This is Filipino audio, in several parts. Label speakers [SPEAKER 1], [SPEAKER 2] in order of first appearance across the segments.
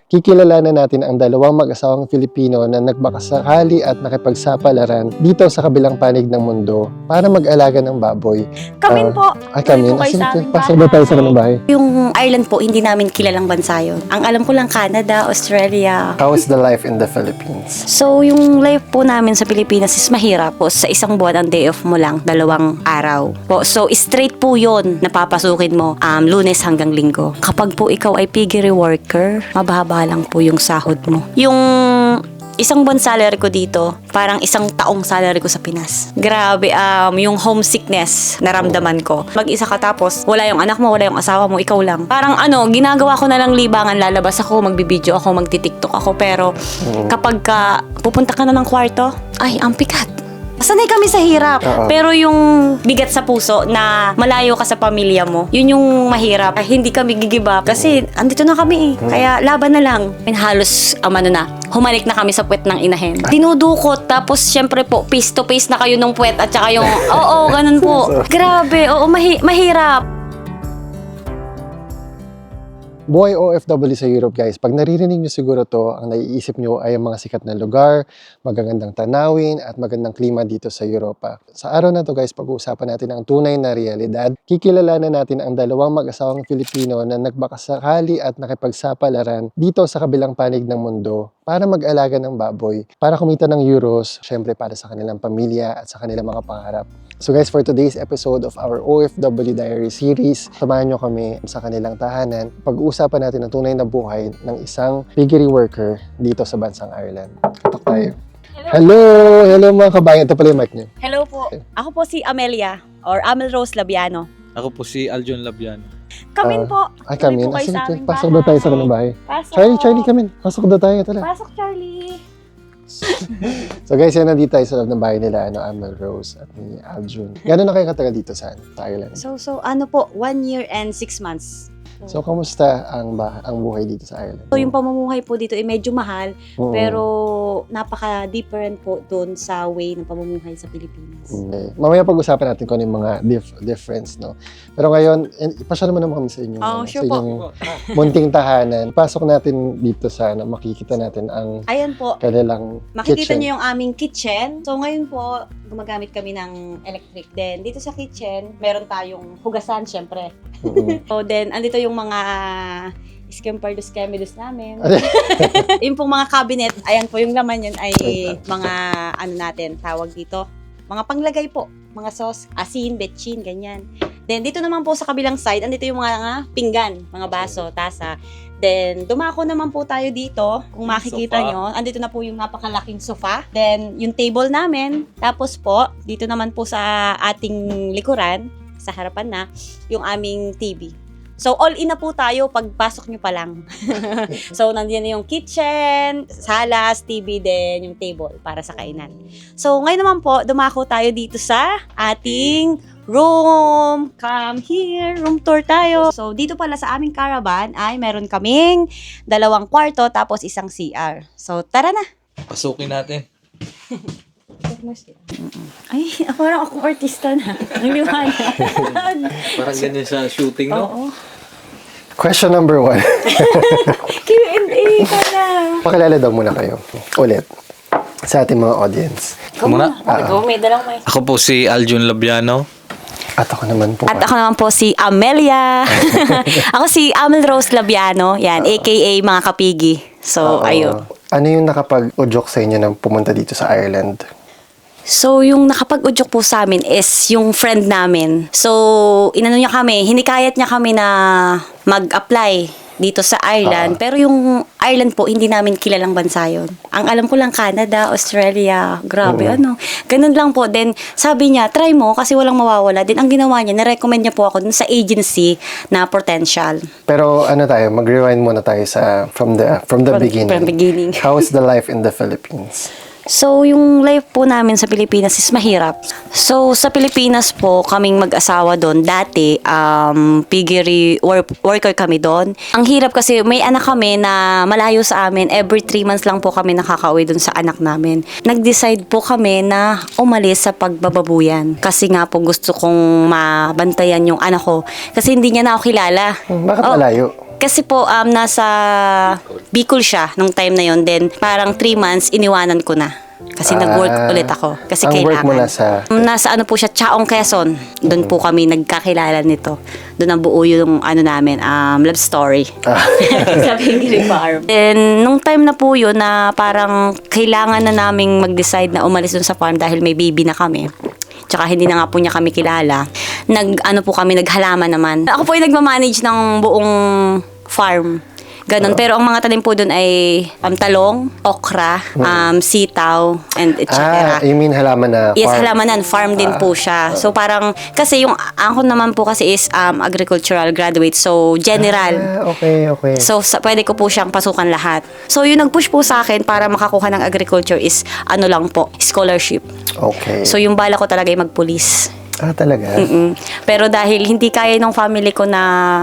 [SPEAKER 1] kikilalanin natin ang dalawang mag-asawang Filipino na nagbakasakali at nakipagsapalaran dito sa kabilang panig ng mundo para mag-alaga ng baboy.
[SPEAKER 2] Kamin po.
[SPEAKER 1] Ay, kami.
[SPEAKER 2] Kayo sa aming
[SPEAKER 1] Pasok ba tayo sa kanong bahay?
[SPEAKER 2] Yung Ireland po, hindi namin kilalang bansa yun. Ang alam ko lang Canada, Australia.
[SPEAKER 1] How is the life in the Philippines?
[SPEAKER 2] So, yung life po namin sa Pilipinas is mahirap po. Sa isang buwan, ang day off mo lang, 2 araw. Po. So, straight po yun na papasukin mo Lunes hanggang Linggo. Kapag po ikaw ay piggery worker, mababa lang po yung sahod mo. Yung isang buwan salary ko dito, parang 1 taong salary ko sa Pinas. Grabe, yung homesickness naramdaman ko. Mag-isa ka tapos, wala yung anak mo, wala yung asawa mo, ikaw lang. Parang ginagawa ko na lang libangan, lalabas ako, magbibideo ako, magti-tiktok ako, pero kapag pupunta ka na ng kwarto, ay, ang pikat. Sanay kami sa hirap. Pero yung bigat sa puso na malayo ka sa pamilya mo, yun yung mahirap. Hindi kami give up kasi andito na kami. Kaya laban na lang. Halos, humalik na kami sa puwet ng inahin. Dinudukot, tapos syempre po, face to face na kayo nung puwet at saka yung, ganun po. Grabe, mahirap.
[SPEAKER 1] Buhay OFW sa Europe, guys. Pag naririnig nyo siguro to, ang naiisip nyo ay ang mga sikat na lugar, magagandang tanawin, at magandang klima dito sa Europa. Sa araw na to, guys, pag-uusapan natin ang tunay na realidad. Kikilalanin natin ang dalawang mag-asawang Filipino na nagbakasakali at nakipagsapalaran dito sa kabilang panig ng mundo para mag-alaga ng baboy, para kumita ng euros, syempre para sa kanilang pamilya at sa kanilang mga pangarap. So guys, for today's episode of our OFW Diary series, samahan nyo kami sa kanilang tahanan. Pag-uusapan natin ang tunay na buhay ng isang piggery worker dito sa bansang Ireland. Katok tayo. Hello mga kabayan. Ito pala yung mic nyo.
[SPEAKER 2] Hello po. Ako po si Amelia or Amel Rose Labiano.
[SPEAKER 3] Ako po si Aljon Labiano.
[SPEAKER 2] Kamin po.
[SPEAKER 1] Ay, kami.
[SPEAKER 2] Po kayo sa aming
[SPEAKER 1] Pasok ba tayo sa kanong bahay?
[SPEAKER 2] Pasok.
[SPEAKER 1] Charlie, kamin. Pasok daw tayo. Tala.
[SPEAKER 2] Pasok, Charlie.
[SPEAKER 1] So guys, yan nandito tayo sa loob ng bahay nila, Amel Rose at ni Aljun. Gano'n na kayo katagal dito sa Ireland?
[SPEAKER 2] So 1 year and 6 months.
[SPEAKER 1] So, kamusta ang buhay dito sa Ireland?
[SPEAKER 2] So, yung pamumuhay po dito ay medyo mahal, pero napaka-different po doon sa way ng pamumuhay sa Pilipinas.
[SPEAKER 1] Okay. Mamaya pag-usapan natin kung ano yung mga difference, no? Pero ngayon, ipasya naman kami sa inyong,
[SPEAKER 2] sure
[SPEAKER 1] sa inyong munting tahanan. Pasok natin dito sa, makikita natin ang
[SPEAKER 2] Ayan po.
[SPEAKER 1] kanilang
[SPEAKER 2] Makikita
[SPEAKER 1] kitchen.
[SPEAKER 2] niyo yung aming kitchen. So, ngayon po, gumagamit kami ng electric. Then, dito sa kitchen, meron tayong hugasan, syempre. So, then, andito yung mga Skempardos Kemidus namin. Yung pong mga cabinet, ayan po yung laman yun ay mga natin, tawag dito. Mga panglagay po. Mga sauce, asin, betchin, ganyan. Then, dito naman po sa kabilang side, andito yung mga pinggan, mga baso, tasa. Then, dumako naman po tayo dito. Kung makikita nyo, andito na po yung napakalaking sofa. Then, yung table namin. Tapos po, dito naman po sa ating likuran, sa harapan na, yung aming TV. So, all in na po tayo pagpasok nyo pa lang. So, nandiyan na yung kitchen, salas, TV, din yung table para sa kainan. So, ngayon naman po, dumako tayo dito sa ating room. Come here, room tour tayo. So, dito pala sa aming caravan ay meron kaming 2 kwarto tapos 1 CR. So, tara na.
[SPEAKER 3] Pasukin natin.
[SPEAKER 2] Ay, parang akong artista na. Ang liwanag.
[SPEAKER 3] Parang ganyan sa shooting, no?
[SPEAKER 2] Oo.
[SPEAKER 1] Question number 1.
[SPEAKER 2] Q&A ka na.
[SPEAKER 1] Pakilala daw muna kayo. Ulit. Sa ating mga audience.
[SPEAKER 3] Muna?
[SPEAKER 2] Ikaw, may dalang mic.
[SPEAKER 3] Ako po si Aljon Labiano.
[SPEAKER 1] At ako naman po.
[SPEAKER 2] At ako naman po si Amelia. Ako si Amel Rose Labiano. Yan, aka mga kapigi. So, ayun.
[SPEAKER 1] Ano yung nakapag-udyok sa inyo na pumunta dito sa Ireland?
[SPEAKER 2] So, yung nakapag-udyok po sa amin is yung friend namin. So, hinikayat niya kami na mag-apply dito sa Ireland. Pero yung Ireland po, hindi namin kilalang bansa yun. Ang alam ko lang Canada, Australia, grabe Ganun lang po. Then, sabi niya, try mo kasi walang mawawala. Then, ang ginawa niya, na-recommend niya po ako dun sa agency na Potential.
[SPEAKER 1] Pero mag-rewind muna tayo from the beginning.
[SPEAKER 2] From beginning.
[SPEAKER 1] How is the life in the Philippines?
[SPEAKER 2] So, yung life po namin sa Pilipinas is mahirap. So, sa Pilipinas po, kaming mag-asawa doon. Dati, piggery worker kami doon. Ang hirap kasi may anak kami na malayo sa amin. Every 3 months lang po kami nakakauwi doon sa anak namin. Nag-decide po kami na umalis sa pagbababuyan. Kasi nga po gusto kong mabantayan yung anak ko. Kasi hindi niya na ako kilala.
[SPEAKER 1] Bakit malayo?
[SPEAKER 2] Kasi po, nasa Bicol siya nung time na yon. Then, parang 3 months, iniwanan ko na. Kasi nag-work ulit ako. Kasi
[SPEAKER 1] Ang work
[SPEAKER 2] kailangan.
[SPEAKER 1] mo nasa...
[SPEAKER 2] Nasa ano po siya, Chaong, Quezon. Doon po kami nagkakilala nito. Doon ang buo yung ano namin, love story. Sa Pinggiri Farm. Then, nung time na po yun na parang kailangan na naming mag-decide na umalis dun sa farm dahil may baby na kami. Tsaka hindi na nga po niya kami kilala. Naghalaman naman. Ako po yung nagmamanage ng buong farm. Ganon. Pero ang mga tanim po doon ay talong, okra, sitaw, and etc.
[SPEAKER 1] you mean halaman na
[SPEAKER 2] Yes,
[SPEAKER 1] farm?
[SPEAKER 2] halamanan. Farm din po siya. So parang, kasi yung ako naman po kasi is agricultural graduate. So general.
[SPEAKER 1] Okay.
[SPEAKER 2] So pwede ko po siyang pasukan lahat. So yung nag-push po sa akin para makakuha ng agriculture is ano lang po, scholarship.
[SPEAKER 1] Okay.
[SPEAKER 2] So yung bala ko talaga ay magpulis.
[SPEAKER 1] Talaga?
[SPEAKER 2] Pero dahil hindi kaya ng family ko na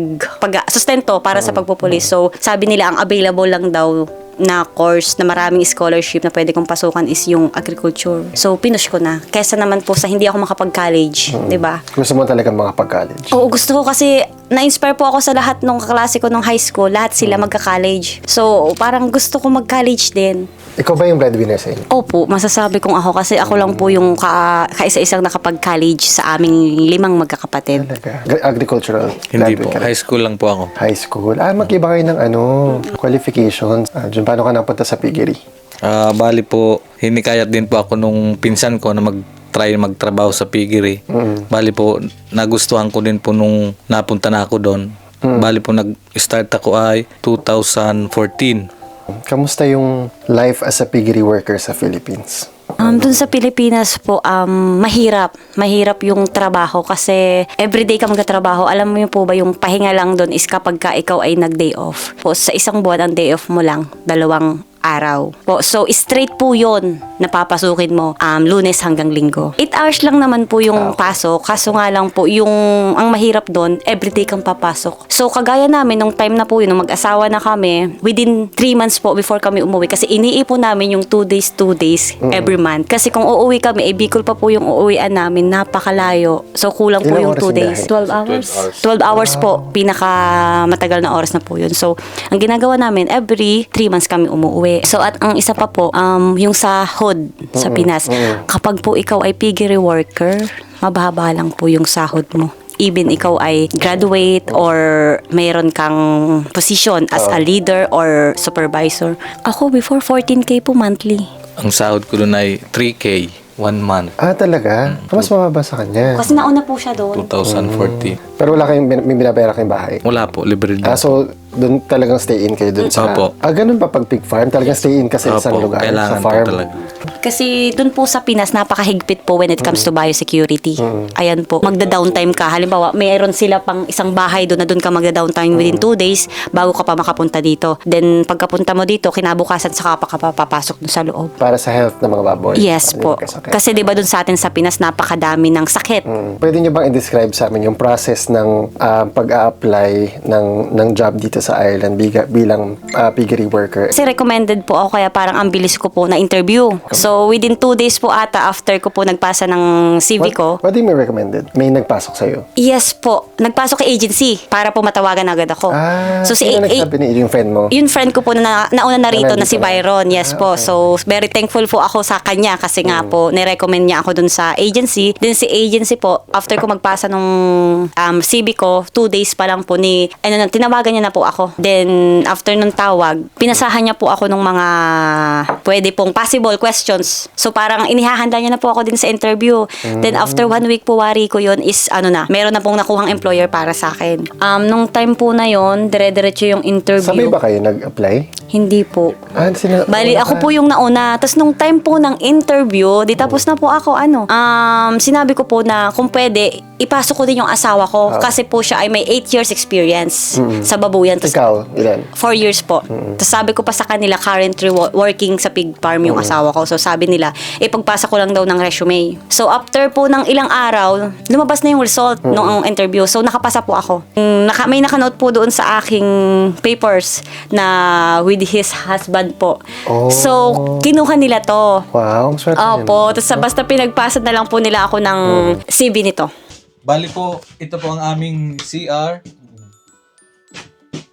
[SPEAKER 2] sustento para sa pagpupulis. So sabi nila ang available lang daw na course na maraming scholarship na pwede kong pasukan is yung agriculture. So pinush ko na. Kesa naman po sa hindi ako makapag-college, 'di ba?
[SPEAKER 1] Gusto mo talaga makapag-college?
[SPEAKER 2] Oo, gusto ko kasi na-inspire po ako sa lahat ng kaklase ko nung high school. Lahat sila magka-college. So parang gusto ko mag-college din.
[SPEAKER 1] Ikaw ba yung breadwinner sa inyo?
[SPEAKER 2] Opo, masasabi kong ako kasi ako lang po yung kaisa-isang nakapag-college sa aming 5 magkakapatid.
[SPEAKER 1] Talaga? Agricultural?
[SPEAKER 3] Hindi
[SPEAKER 1] graduate
[SPEAKER 3] po.
[SPEAKER 1] ka rin?
[SPEAKER 3] High school lang po ako.
[SPEAKER 1] High school? Mag-iba kayo ng qualifications. Diyan, paano ka napunta sa piggery?
[SPEAKER 3] Bali po, hinikayat din po ako nung pinsan ko na mag-try magtrabaho sa piggery. Bali po, nagustuhan ko din po nung napunta na ako doon. Bali po, nag-start ako ay 2014.
[SPEAKER 1] Kamusta yung life as a piggery worker sa Philippines?
[SPEAKER 2] Dun sa Pilipinas po, mahirap. Mahirap yung trabaho kasi everyday ka magtatrabaho. Alam mo yun po ba, yung pahinga lang dun is kapag ka ikaw ay nag-day off. Po, sa isang buwan, ang day off mo lang, 2 araw. Po, so, straight po yun na papasukin mo Lunes hanggang Linggo. 8 hours lang naman po yung pasok. Kaso nga lang po, ang mahirap doon, everyday kang papasok. So, kagaya namin, nung time na po yun, nung mag-asawa na kami, within 3 months po before kami umuwi. Kasi iniipon namin yung 2 days every month. Kasi kung uuwi kami, Bicol pa po yung uuwian namin, napakalayo. So, kulang po
[SPEAKER 1] Ilang
[SPEAKER 2] yung
[SPEAKER 1] oras
[SPEAKER 2] 2
[SPEAKER 1] yung
[SPEAKER 2] days.
[SPEAKER 1] biyahe?
[SPEAKER 2] 12 hours. 12 hours po. Pinaka matagal na oras na po yun. So, ang ginagawa namin, every 3 months kami umuwi. So, at ang isa pa po, yung sahod sa Pinas. Kapag po ikaw ay piggery worker, mababa lang po yung sahod mo. Even ikaw ay graduate or mayroon kang position as a leader or supervisor. Ako before 14K po monthly.
[SPEAKER 3] Ang sahod ko doon ay 3K, 1 month.
[SPEAKER 1] Talaga? Mas mababa sa kanya.
[SPEAKER 2] Kasi nauna po siya doon.
[SPEAKER 3] 2014.
[SPEAKER 1] Pero wala kayong may binabera kayong bahay?
[SPEAKER 3] Wala po, libre din.
[SPEAKER 1] So, doon talagang stay in kayo doon sa...
[SPEAKER 3] Opo.
[SPEAKER 1] Ganun pa pag pig farm? Talagang stay in ka sa isang
[SPEAKER 3] Opo,
[SPEAKER 1] lugar? Sa
[SPEAKER 3] kailangan
[SPEAKER 1] farm?
[SPEAKER 3] po talaga.
[SPEAKER 2] Kasi doon po sa Pinas, napakahigpit po when it comes to biosecurity. Ayan po, magda-downtime ka. Halimbawa, mayroon sila pang isang bahay doon na doon ka magda-downtime within 2 days bago ka pa makapunta dito. Then, pagkapunta mo dito, kinabukasan saka pa papasok doon sa loob.
[SPEAKER 1] Para sa health ng mga baboy?
[SPEAKER 2] Yes
[SPEAKER 1] Hindi
[SPEAKER 2] po.
[SPEAKER 1] magkasakit.
[SPEAKER 2] Kasi di ba doon sa atin sa Pinas, napakadami ng sakit.
[SPEAKER 1] Pwede nyo bang i-describe sa amin yung process ng pag-a-apply ng job dito sa Ireland bilang piggery worker?
[SPEAKER 2] Kasi recommended po ako kaya parang ang bilis ko po na interview. So within 2 days po ata after ko po nagpasa ng CV ko.
[SPEAKER 1] What do you mean recommended? May nagpasok sa'yo?
[SPEAKER 2] Yes po. Nagpasok kay agency para po matawagan agad ako.
[SPEAKER 1] So sino nagsabi ni yung friend mo?
[SPEAKER 2] Yung friend ko po na nauna na rito na si
[SPEAKER 1] nandito na.
[SPEAKER 2] Byron. Yes po.
[SPEAKER 1] Okay.
[SPEAKER 2] So very thankful po ako sa kanya kasi nga po nirecommend niya ako dun sa agency. Then si agency po after ko magpasa nung CV ko 2 days pa lang po tinawagan niya na po ako. Then after nung tawag, pinasahan niya po ako ng mga pwede pong possible questions. So parang inihahanda niya na po ako din sa interview. Then after 1 week po wari ko yun is meron na pong nakuhang employer para sa akin. Nung time po na yun, dire-diretso yung interview.
[SPEAKER 1] Sabay ba kayo nag-apply?
[SPEAKER 2] Hindi po. Bali,
[SPEAKER 1] wala
[SPEAKER 2] ako
[SPEAKER 1] ka.
[SPEAKER 2] po yung nauna. Tapos nung time po ng interview, di tapos na po ako, sinabi ko po na kung pwede, ipasok ko din yung asawa ko. Kasi po siya ay may 8 years experience sa babuyan. Tapos
[SPEAKER 1] Ikaw, ilan?
[SPEAKER 2] 4 years po. Tapos sabi ko pa sa kanila, currently working sa pig farm yung asawa ko. So sabi nila, ipagpasa ko lang daw ng resume. So after po ng ilang araw, lumabas na yung result ng interview. So nakapasa po ako. May nakanote po doon sa aking papers na with his husband po.
[SPEAKER 1] Oh.
[SPEAKER 2] So kinuha nila to.
[SPEAKER 1] Wow, ang swerte niyo.
[SPEAKER 2] Opo. Tapos basta pinagpasa na lang po nila ako ng CV nito.
[SPEAKER 3] Bali po, ito po ang aming CR.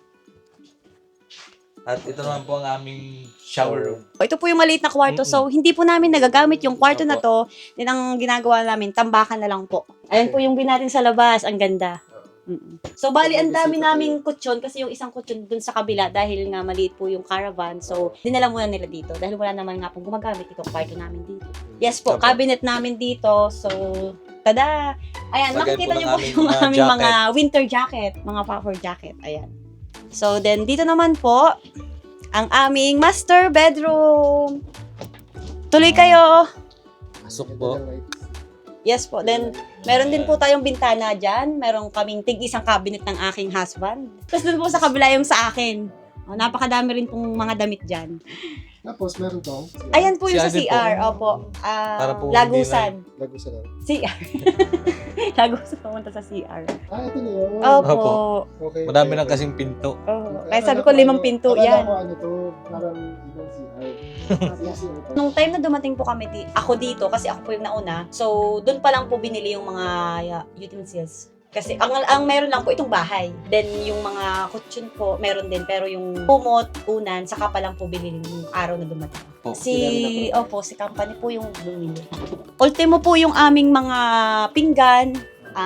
[SPEAKER 3] At ito naman po ang aming shower room.
[SPEAKER 2] Ito po yung maliit na kwarto. So, hindi po namin nagagamit yung kwarto na to. Then, ang ginagawa namin, tambakan na lang po. Ayan po yung view natin sa labas. Ang ganda. So, bali, ang dami naming kutsyon kasi yung isang kutsyon dun sa kabila dahil nga maliit po yung caravan. So, dinala muna nila dito dahil wala naman nga pong gumagamit itong kwarto namin dito. Yes po, cabinet namin dito. So, tada! Ayan,
[SPEAKER 3] Lagay
[SPEAKER 2] makikita
[SPEAKER 3] po
[SPEAKER 2] niyo
[SPEAKER 3] ng
[SPEAKER 2] po yung
[SPEAKER 3] aming
[SPEAKER 2] aming
[SPEAKER 3] mga
[SPEAKER 2] mga winter jacket, mga puffer jacket. Ayan. So, then dito naman po, ang aming master bedroom. Tuloy kayo.
[SPEAKER 3] Pasok po.
[SPEAKER 2] Yes po. Then, meron din po tayong bintana dyan. Meron kaming tig-isang cabinet ng aking husband. Tapos dun po sa kabila yung sa akin. Oh, napakadami rin pong mga damit dyan.
[SPEAKER 1] Tapos meron tong
[SPEAKER 2] Ayan po yung sa
[SPEAKER 3] CR din po.
[SPEAKER 2] CR. Opo.
[SPEAKER 3] Para po
[SPEAKER 2] Lagusan.
[SPEAKER 1] lago sa lang.
[SPEAKER 2] CR. Lagusan pumunta sa CR.
[SPEAKER 1] Ito na yun.
[SPEAKER 2] Opo.
[SPEAKER 1] Okay.
[SPEAKER 3] Madami lang kasing pinto.
[SPEAKER 2] Oh. Kaya sabi ko 5 pinto
[SPEAKER 1] Akala
[SPEAKER 2] yan.
[SPEAKER 1] ko ano to, parang ibang CR.
[SPEAKER 2] Nung time na dumating po kami, ako dito, kasi ako po yung nauna, so doon pa lang po binili yung mga utensils. Kasi ang meron lang po itong bahay. Then yung mga kutsyon po, meron din. Pero yung kumot, unan, saka pa lang po binili yung araw na dumating.
[SPEAKER 3] Po.
[SPEAKER 2] Si company po yung bumili. Ultimo po yung aming mga pinggan,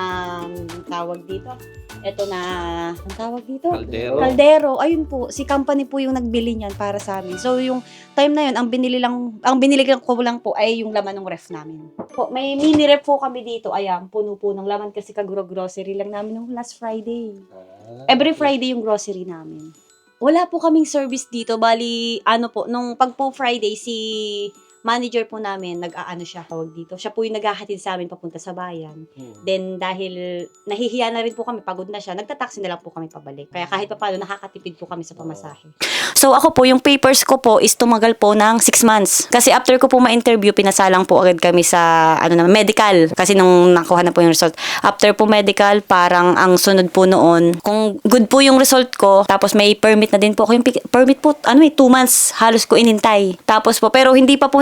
[SPEAKER 2] tawag dito. Ito na, ang tawag dito?
[SPEAKER 3] Kaldero.
[SPEAKER 2] Kaldero. Ayun po, si company po yung nagbili niyan para sa amin. So yung time na yun, ang binili ko lang po ay yung laman ng ref namin. Po, may mini ref po kami dito. Ayan, puno po ng laman kasi grocery lang namin nung last Friday. Every Friday yung grocery namin. Wala po kaming service dito. Bali, nung pag po Friday, si manager po namin, nag-aano siya, tawag dito. Siya po yung naghahatid sa amin papunta sa bayan. Then, dahil nahihiya na rin po kami, pagod na siya, nagtataksi na lang po kami pabalik. Kaya kahit pa paano, nakakatipid po kami sa pamasahe. So, ako po, yung papers ko po is tumagal po ng 6 months. Kasi after ko po ma-interview, pinasalang po agad kami sa, medical. Kasi nung nakuha na po yung result. After po medical, parang ang sunod po noon, kung good po yung result ko, tapos may permit na din po ako. Yung permit po, 2 months, halos ko inintay. Tapos po, pero hindi pa po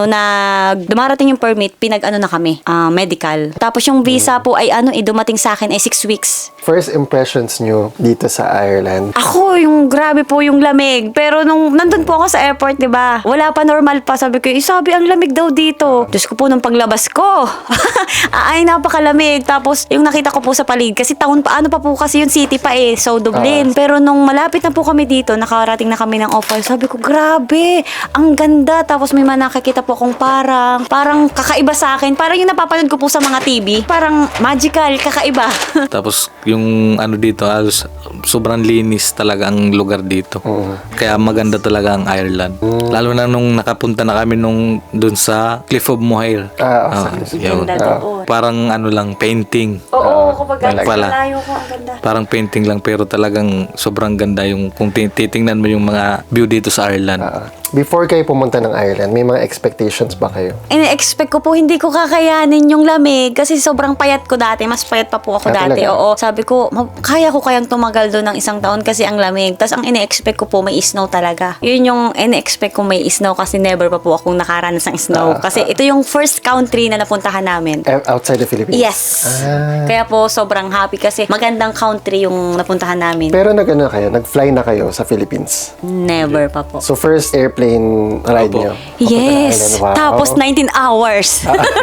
[SPEAKER 2] dumarating yung permit, na kami, medical. Tapos yung visa po ay dumating sa akin ay 6 weeks.
[SPEAKER 1] First impressions nyo dito sa Ireland?
[SPEAKER 2] Ako, yung grabe po yung lamig. Pero nung nandun po ako sa airport, 'di ba? Wala pa normal pa, sabi ko, sabi ang lamig daw dito. Diyos ko po nung paglabas ko. Ay, napakalamig. Tapos yung nakita ko po sa paligid, kasi taon pa, pa po kasi yung city pa so Dublin. Pero nung malapit na po kami dito, nakarating na kami ng office, sabi ko, grabe, ang ganda. Tapos may nakakita po akong parang kakaiba sa akin. Parang yung napapanood ko po sa mga TV. Parang magical, kakaiba.
[SPEAKER 3] Tapos yung dito, sobrang linis talaga ang lugar dito. Kaya maganda talaga ang Ireland. Lalo na nung nakapunta na kami dun sa Cliff of Moher. Yun.
[SPEAKER 2] Ganda doon.
[SPEAKER 3] Parang lang, painting.
[SPEAKER 2] Oo, kapag
[SPEAKER 3] pala.
[SPEAKER 2] malayo ko, ang ganda.
[SPEAKER 3] Parang painting lang pero talagang sobrang ganda yung kung titingnan mo yung mga view dito sa Ireland.
[SPEAKER 1] Before kayo pumunta ng Ireland, may mga expectations ba kayo?
[SPEAKER 2] Ine-expect ko po hindi ko kakayanin yung lamig kasi sobrang payat ko dati. Mas payat pa po ako dati.
[SPEAKER 1] Talaga?
[SPEAKER 2] Oo. Sabi ko, kaya ko kayang tumagal doon ng 1 taon kasi ang lamig. Tapos ang ine-expect ko po may snow talaga. Yun yung ine-expect ko may snow kasi never pa po akong nakaranas ng snow. Kasi ito yung first country na napuntahan namin.
[SPEAKER 1] Outside the Philippines?
[SPEAKER 2] Yes. Kaya po sobrang happy kasi magandang country yung napuntahan namin.
[SPEAKER 1] Pero nag-fly na kayo sa Philippines?
[SPEAKER 2] Never pa po.
[SPEAKER 1] So first airplane ride nyo?
[SPEAKER 2] Yes.
[SPEAKER 1] Wow.
[SPEAKER 2] Tapos 19 hours.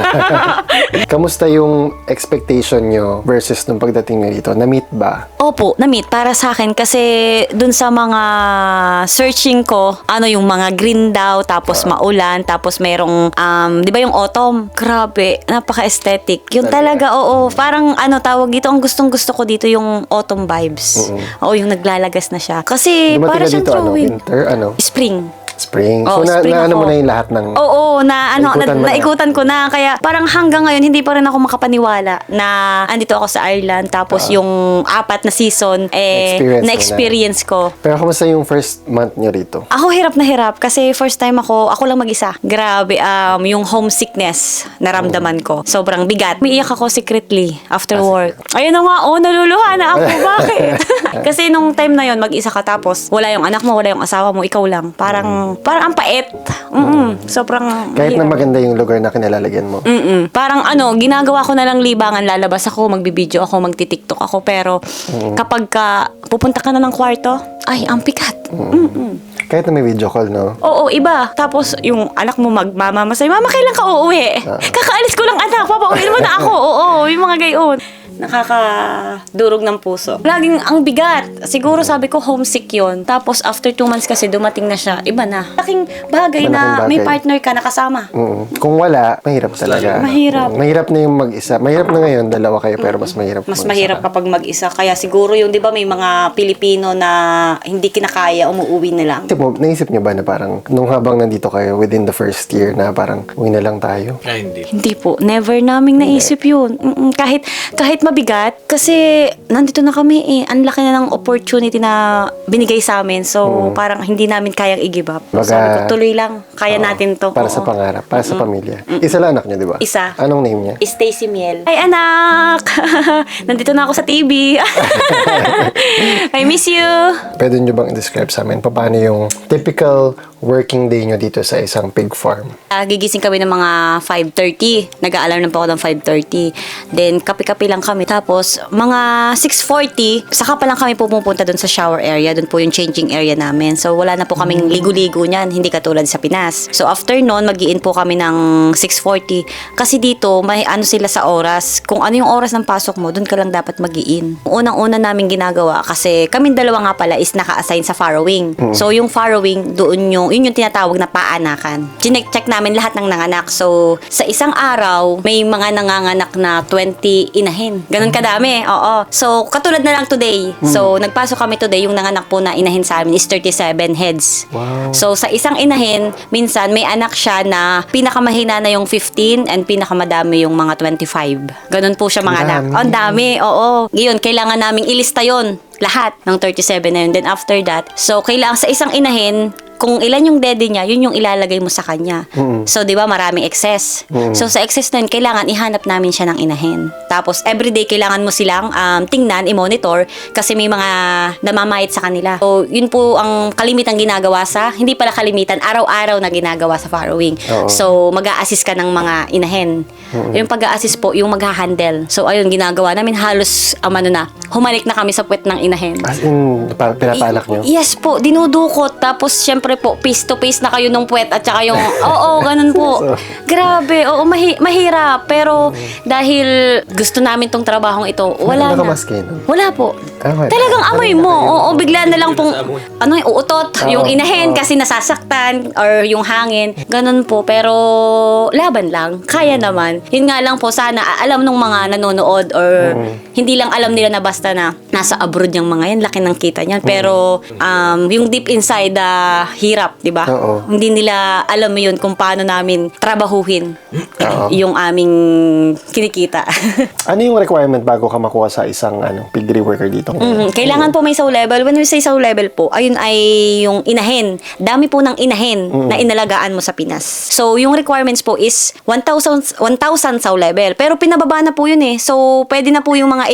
[SPEAKER 1] Kamusta yung expectation nyo versus nung pagdating nyo dito? Na-meet ba?
[SPEAKER 2] Opo, na-meet para sa akin kasi dun sa mga searching ko, yung mga green daw, tapos maulan, tapos merong, di ba yung autumn? Grabe, napaka-aesthetic. Yun talaga, oo. Parang, tawag dito, ang gustong-gusto ko dito yung autumn vibes. Oo, yung naglalagas na siya. Kasi,
[SPEAKER 1] Dumating
[SPEAKER 2] para
[SPEAKER 1] ka
[SPEAKER 2] siyang
[SPEAKER 1] dito,
[SPEAKER 2] drawing.
[SPEAKER 1] winter,
[SPEAKER 2] Spring.
[SPEAKER 1] Spring.
[SPEAKER 2] Oh,
[SPEAKER 1] So,
[SPEAKER 2] spring
[SPEAKER 1] na
[SPEAKER 2] ako.
[SPEAKER 1] mo na yung lahat ng...
[SPEAKER 2] Oo,
[SPEAKER 1] Naikutan mo na.
[SPEAKER 2] naikutan ko na. Kaya parang hanggang ngayon, hindi pa rin ako makapaniwala na andito ako sa Ireland. Tapos yung 4 na season, na-experience ko.
[SPEAKER 1] Pero kamusta yung first month nyo rito?
[SPEAKER 2] Ako hirap na hirap kasi first time ako lang mag-isa. Grabe, yung homesickness naramdaman ko. Sobrang bigat. Umiiyak ako secretly after work. Ayun na nga, naluluha na ako. Bakit? Kasi nung time na yon mag-isa ka tapos wala yung anak mo, wala yung asawa mo, ikaw lang. Parang parang ang pait. Sobrang
[SPEAKER 1] Kahit na
[SPEAKER 2] mahirap.
[SPEAKER 1] maganda yung lugar na kinalalagyan mo.
[SPEAKER 2] Parang ginagawa ko na lang libangan, lalabas ako, magbibideo ako, magti-TikTok ako, pero kapag pupunta ka na ng kwarto, ay, ang pikat.
[SPEAKER 1] Kahit na may video call, no?
[SPEAKER 2] Oo, iba. Tapos, yung anak mo magmamamasay, Mama, kailan ka uuwi? Kakaalis ko lang, anak. Papauwiin mo na ako. Oo, yung mga gayon. Nakakadurog ng puso. Laging ang bigat. Siguro sabi ko homesick yun. Tapos after 2 months kasi dumating na siya. Iba na. Laking bagay na
[SPEAKER 1] Malaking
[SPEAKER 2] may
[SPEAKER 1] bagay.
[SPEAKER 2] partner ka nakasama.
[SPEAKER 1] Kung wala, mahirap talaga.
[SPEAKER 2] Mahirap.
[SPEAKER 1] Mahirap na yung mag-isa. Mahirap na ngayon, dalawa kayo, pero mas mahirap.
[SPEAKER 2] Mas
[SPEAKER 1] mag-isa
[SPEAKER 2] mahirap
[SPEAKER 1] ka.
[SPEAKER 2] kapag mag-isa. Kaya siguro yung, di ba, may mga Pilipino na hindi kinakaya, umuwi na lang.
[SPEAKER 1] Naisip niyo ba na parang, nung habang nandito kayo, within the first year, na parang, uwi na lang tayo?
[SPEAKER 3] Ay, hindi.
[SPEAKER 2] Hindi po. Never naming naisip yun. Kahit mabigat. Kasi nandito na kami eh. Ang laki na ng opportunity na binigay sa amin. So, parang hindi namin kayang i-give up.
[SPEAKER 1] Baga-
[SPEAKER 2] Sabi ko, tuloy lang. Kaya natin to.
[SPEAKER 1] Para
[SPEAKER 2] Oo.
[SPEAKER 1] sa pangarap, para sa pamilya. Isa lang anak niyo, di ba?
[SPEAKER 2] Isa.
[SPEAKER 1] Anong name niya?
[SPEAKER 2] Stacy Miel. Ay, anak! Nandito na ako sa TV. I miss you.
[SPEAKER 1] Pwede niyo bang i-describe sa amin paano yung typical working day niyo dito sa isang pig farm?
[SPEAKER 2] Gigising kami ng mga 5:30. Nag-aalarm na po ako ng 5:30. Then, kape-kape lang kami. Tapos, mga 6:40, saka pa lang kami pumupunta doon sa shower area. Doon po yung changing area namin. So, wala na po kaming ligo-ligo niyan. Hindi katulad sa Pinas. So, after noon, mag-i-in po kami ng 6:40. Kasi dito, may ano sila sa oras. Kung ano yung oras ng pasok mo, doon ka lang dapat mag-i-in. Unang-una namin ginagawa, kasi kaming dalawa nga pala is naka-assign sa farrowing. So, yung farrowing, yun yung tinatawag na paanakan. Chinek-check namin lahat ng nanganak. So, sa isang araw, may mga nanganganak na 20 inahin. Ganun kadami. Oo. So, katulad na lang today. So, nagpasok kami today, yung nanganak po na inahin sa amin is 37 heads.
[SPEAKER 1] Wow.
[SPEAKER 2] So, sa isang inahin, minsan may anak siya na pinakamahina na yung 15 and pinakamadami yung mga 25. Ganun po siya mga
[SPEAKER 1] Ang
[SPEAKER 2] anak.
[SPEAKER 1] dami.
[SPEAKER 2] Oh, ang dami. Oo. Ngayon, kailangan naming ilista yon lahat ng 37 na yun. Then after that, so kailangan sa isang inahin, kung ilan yung dede niya, yun yung ilalagay mo sa kanya. So, di ba, maraming excess. So, sa excess na yun, kailangan ihanap namin siya ng inahin. Tapos, everyday, kailangan mo silang tingnan, i-monitor, kasi may mga namamayit sa kanila. So, yun po ang kalimitang ginagawa hindi pala kalimitan, araw-araw na ginagawa sa farrowing.
[SPEAKER 1] Oo.
[SPEAKER 2] So, mag-a-assist ka ng mga inahin. Yung pag-a-assist po, yung mag-handle. So, ayun, ginagawa namin halos, humalik na kami sa puwet ng inahin.
[SPEAKER 1] As in, pinapalak niyo?
[SPEAKER 2] Yes po, dinudukot. Tapos, syempre po, face to face na kayo nung puwet at saka yung, ganun po. Grabe, mahirap. Pero, dahil gusto namin tong trabahong ito, wala na.
[SPEAKER 1] Nakamaske, no?
[SPEAKER 2] Wala po.
[SPEAKER 1] Wala.
[SPEAKER 2] Talagang amoy mo. Oo, bigla na lang pong, uutot.
[SPEAKER 1] Oo,
[SPEAKER 2] Yung inahin
[SPEAKER 1] oo.
[SPEAKER 2] kasi nasasaktan or yung hangin. Ganun po. Pero, laban lang. Kaya naman. Yun nga lang po, sana alam nung mga nanonood or hindi lang alam nila na basta na nasa abroad yung mga yan. Laki ng kita niyan. Pero, yung deep inside, hirap, di ba?
[SPEAKER 1] Oo.
[SPEAKER 2] Hindi nila alam mo yun kung paano namin trabahuhin
[SPEAKER 1] Oo.
[SPEAKER 2] yung aming kinikita.
[SPEAKER 1] Ano yung requirement bago ka makuha sa isang piggery worker dito?
[SPEAKER 2] Kailangan po may saw level. When we say saw level po, ayun ay yung inahin. Dami po ng inahin na inalagaan mo sa Pinas. So, yung requirements po is 1,000 saw level. Pero pinababa na po yun eh. So, pwede na po yung mga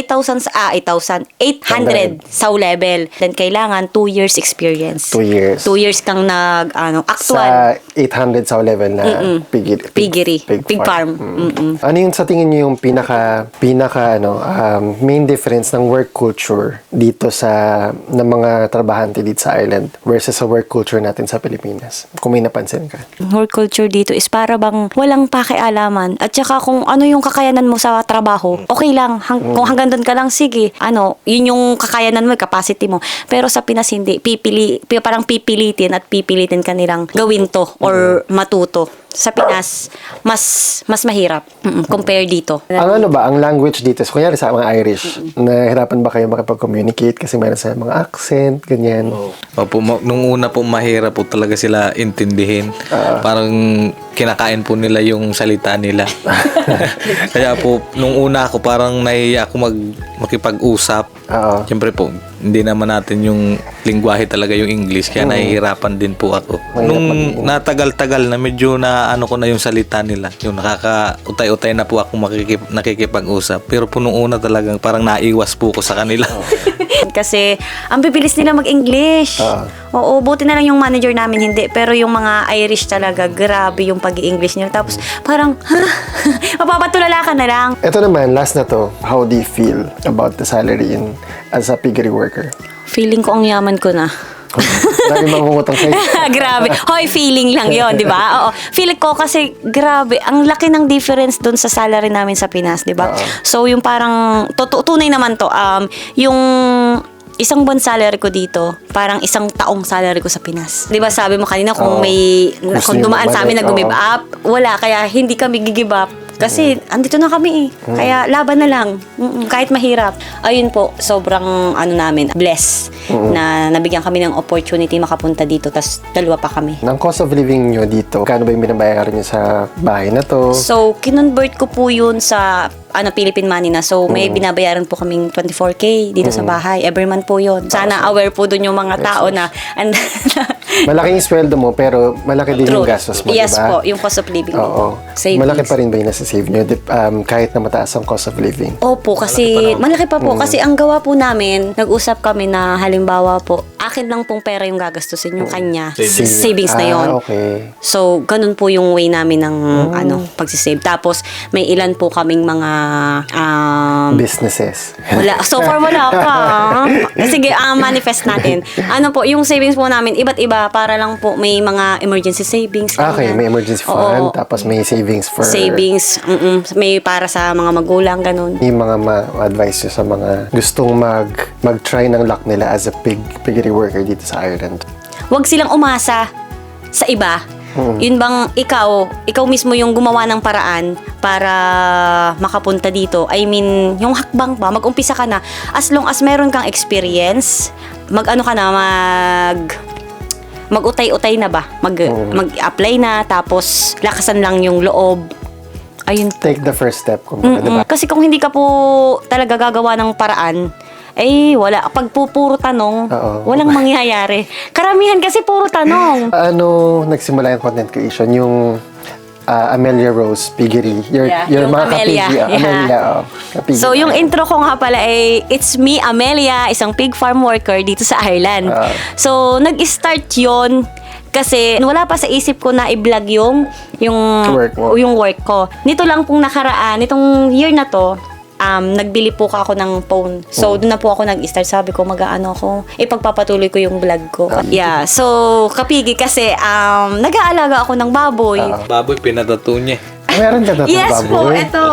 [SPEAKER 2] 800 saw level. Then, kailangan 2 years experience.
[SPEAKER 1] 2 years.
[SPEAKER 2] 2 years kang actual
[SPEAKER 1] Sa 800 sa level na
[SPEAKER 2] piggery, pig farm.
[SPEAKER 1] Ano yung sa tingin niyo yung pinaka main difference ng work culture dito ng mga trabahante dito sa Ireland versus sa work culture natin sa Pilipinas? Kung may napansin ka.
[SPEAKER 2] Work culture dito is para bang walang pakialaman. At saka kung ano yung kakayanan mo sa trabaho, okay lang. Kung hanggang doon ka lang, sige. Yun yung kakayanan mo, capacity mo. Pero sa Pinas, hindi. Parang pipilitin at pipilitin ka nilang gawin to or matuto. Sa Pinas, mas mahirap compare dito.
[SPEAKER 1] Ang language dito, so, kunyari sa mga Irish, nahirapan ba kayo makipag-communicate kasi meron sa mga accent, ganyan?
[SPEAKER 3] Opo, nung una po mahirap po talaga sila intindihin. Parang kinakain po nila yung salita nila. Kaya po, nung una ako parang nahihiya ako makipag-usap.
[SPEAKER 1] Oo.
[SPEAKER 3] Siyempre po, hindi naman natin yung lingwahe talaga yung English. Kaya nahihirapan din po ako.
[SPEAKER 1] Mahirap
[SPEAKER 3] Nung
[SPEAKER 1] maging-
[SPEAKER 3] natagal-tagal na medyo na ano ko na yung salita nila. Yung nakaka-utay-utay na po ako nakikipag-usap. Pero po nung una talagang parang naiwas po ko sa kanila.
[SPEAKER 2] Kasi ang bibilis nila mag-English. Oo, buti na lang yung manager namin hindi. Pero yung mga Irish talaga, grabe yung pag-i-English nila. Tapos parang, mapapatulala ka na lang.
[SPEAKER 1] Ito naman, last na to. How do you feel about the salary as a piggery worker?
[SPEAKER 2] Feeling ko ang yaman ko na.
[SPEAKER 1] Marami mangungutang sa'yo.
[SPEAKER 2] Grabe. Hoy, feeling lang yon, di ba? Oo. Feeling ko kasi, grabe, ang laki ng difference dun sa salary namin sa Pinas, di ba? So, yung parang, tunay naman to, yung isang buwan salary ko dito, parang isang taong salary ko sa Pinas. Di ba sabi mo kanina kung kung dumaan sa amin na give up, wala, kaya hindi kami give up. Kasi andito na kami eh. Kaya laban na lang. Kahit mahirap. Ayun po, sobrang blessed na nabigyan kami ng opportunity makapunta dito. Tas dalawa pa kami.
[SPEAKER 1] Ang cost of living nyo dito, kano ba yung binabayaran nyo sa bahay na to?
[SPEAKER 2] So, kinonvert ko po yun sa Philippine money na. So, may binabayaran po kaming 24K dito sa bahay. Every month po yun. Sana aware po dun yung mga tao na
[SPEAKER 1] malaking sweldo mo, pero malaki din yung gastos mo,
[SPEAKER 2] yes
[SPEAKER 1] diba?
[SPEAKER 2] po, yung cost of living.
[SPEAKER 1] Oo.
[SPEAKER 2] Savings.
[SPEAKER 1] Malaki pa rin ba yung nasa-save nyo? Kahit na mataas ang cost of living?
[SPEAKER 2] Opo, kasi malaki pa po. Kasi ang gawa po namin, nag-usap kami na halimbawa po, akin lang pong pera yung gagastusin, yung kanya. Savings na yon.
[SPEAKER 1] Okay.
[SPEAKER 2] So, ganun po yung way namin ng pagsisave. Tapos, may ilan po kaming mga
[SPEAKER 1] Businesses.
[SPEAKER 2] wala. So far, wala pa. Sige, manifest natin. Ano po, yung savings po namin, iba't iba para lang po may mga emergency savings.
[SPEAKER 1] Okay,
[SPEAKER 2] ganyan.
[SPEAKER 1] may emergency fund, tapos may savings for...
[SPEAKER 2] Savings, may para sa mga magulang, ganun.
[SPEAKER 1] Yung mga ma-advise nyo sa mga gustong mag-try ng luck nila as a piggery worker dito sa Ireland.
[SPEAKER 2] Huwag silang umasa sa iba. Yun bang ikaw mismo yung gumawa ng paraan para makapunta dito. I mean, yung hakbang pa, mag-umpisa ka na. As long as meron kang experience, mag-utay-utay na ba? Mag-apply na, tapos lakasan lang yung loob. Ayun.
[SPEAKER 1] Take the first step, kumbaga, diba?
[SPEAKER 2] Kasi kung hindi ka po talaga gagawa ng paraan, wala. Pag puro tanong, walang mangyayari. Karamihan kasi puro tanong.
[SPEAKER 1] Paano nagsimula yung content creation? Yung Amelia Rose Piggery. Your
[SPEAKER 2] yung
[SPEAKER 1] mga
[SPEAKER 2] Amelia.
[SPEAKER 1] kapigi. Amelia, kapigi.
[SPEAKER 2] So, yung intro ko nga pala it's me, Amelia, isang pig farm worker dito sa Ireland. So, nag-start yon kasi wala pa sa isip ko na i-vlog yung work ko. Nito lang pong nakaraan, nitong year na to, nagbili po ako ng phone. So, doon na po ako nag-start. Sabi ko, ipagpapatuloy ko yung vlog ko. Yeah. So, kapigi kasi, nag-aalaga ako ng baboy.
[SPEAKER 3] Baboy, pinatato niya.
[SPEAKER 1] Meron ka na itong
[SPEAKER 2] Yes
[SPEAKER 1] baboy?
[SPEAKER 2] po, ito.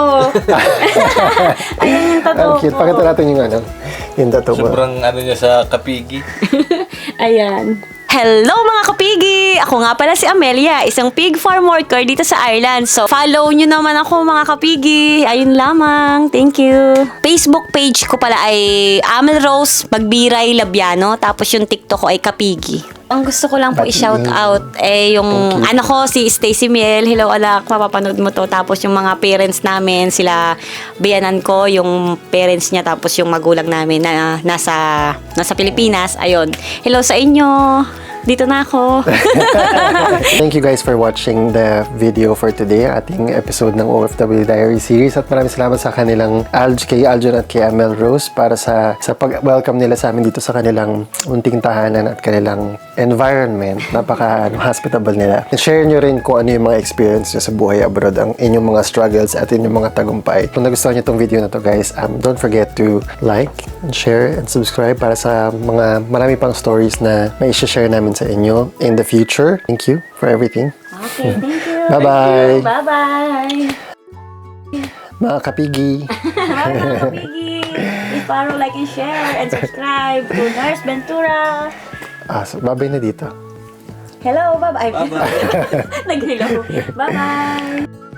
[SPEAKER 2] Ayan yung tattoo
[SPEAKER 1] Ang cute.
[SPEAKER 2] ko.
[SPEAKER 1] Pakita natin yung tattoo mo.
[SPEAKER 3] Sobrang niya sa kapigi.
[SPEAKER 2] Ayan. Hello mga kapigi! Ako nga pala si Amelia, isang pig farm worker dito sa Ireland. So, follow nyo naman ako mga kapigi. Ayun lamang. Thank you. Facebook page ko pala ay Amel Rose Magbiray Labiano. Tapos yung TikTok ko ay Kapigi. Ang gusto ko lang po i-shout out yung anak ko, si Stacy Miel. Hello anak, mapapanood mo to. Tapos yung mga parents namin, sila biyanan ko, yung parents niya, tapos yung magulang namin na nasa Pilipinas. Ayun. Hello sa inyo. Dito na ako.
[SPEAKER 1] Thank you guys for watching the video for today, ating episode ng OFW Diary Series, at maraming salamat sa kanilang kay Aljon at kay Amel Rose para sa pag-welcome nila sa amin dito sa kanilang unting tahanan at kanilang environment. Napaka-hospitable nila. And share nyo rin kung ano yung mga experience nyo sa buhay abroad, ang inyong mga struggles at inyong mga tagumpay. Kung nagustuhan nyo itong video na to guys, don't forget to like and share and subscribe para sa mga marami pang stories na may share namin sa inyo in the future. Thank you for everything.
[SPEAKER 2] Okay, thank you.
[SPEAKER 1] Bye-bye.
[SPEAKER 2] Bye-bye.
[SPEAKER 1] Mga kapigi.
[SPEAKER 2] Bye mga kapigi. Please follow, like, and share, and subscribe to Nurse Ventura.
[SPEAKER 1] So babay na dito.
[SPEAKER 2] Hello, bye-bye. Nag-hello. Bye-bye.